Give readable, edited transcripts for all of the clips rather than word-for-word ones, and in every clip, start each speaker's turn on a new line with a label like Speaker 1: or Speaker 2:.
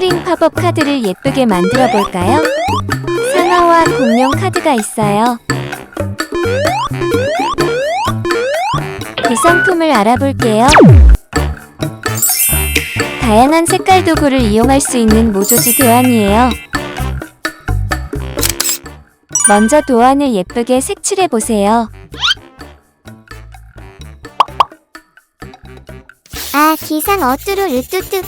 Speaker 1: 컬러링 팝업 카드를 예쁘게 만들어 볼까요? 상어와 공룡 카드가 있어요. 구성품을 알아볼게요. 다양한 색깔 도구를 이용할 수 있는 모조지 도안이에요. 먼저 도안을 예쁘게 색칠해 보세요.
Speaker 2: 아, 기상 어뚜루 으뚜뚜.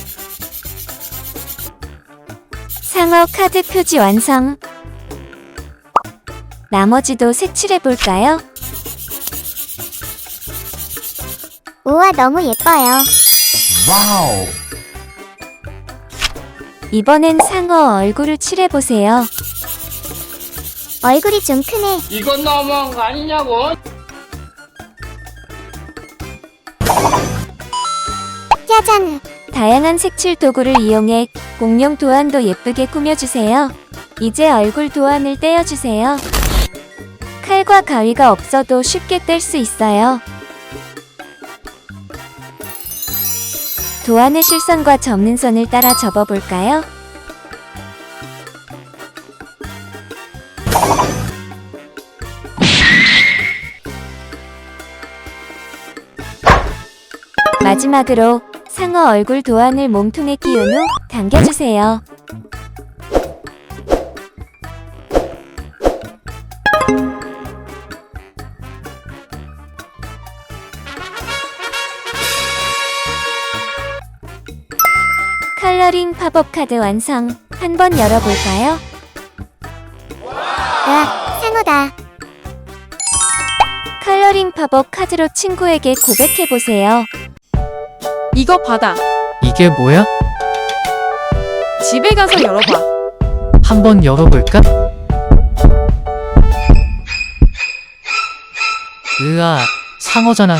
Speaker 1: 상어 카드 표지 완성. 나머지도 색칠해 볼까요?
Speaker 2: 우와, 너무 예뻐요.
Speaker 3: 와우.
Speaker 1: 이번엔 상어 얼굴을 칠해 보세요.
Speaker 2: 얼굴이 좀 크네.
Speaker 4: 이건 너무한 거 아니냐고?
Speaker 2: 짜잔.
Speaker 1: 다양한 색칠 도구를 이용해 공룡 도안도 예쁘게 꾸며주세요. 이제 얼굴 도안을 떼어주세요. 칼과 가위가 없어도 쉽게 뗄 수 있어요. 도안의 실선과 접는 선을 따라 접어볼까요? 마지막으로 상어 얼굴 도안을 몸통에 끼운 후 당겨주세요. 컬러링 팝업 카드 완성. 한번 열어볼까요?
Speaker 2: 와, 상어다.
Speaker 1: 컬러링 팝업 카드로 친구에게 고백해보세요.
Speaker 5: 이거 받아.
Speaker 6: 이게 뭐야?
Speaker 5: 집에 가서 열어봐.
Speaker 6: 한번 열어볼까? 으아, 상어잖아.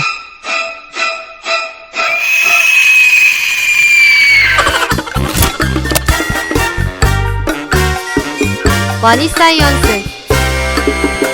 Speaker 5: 와니 사이언스.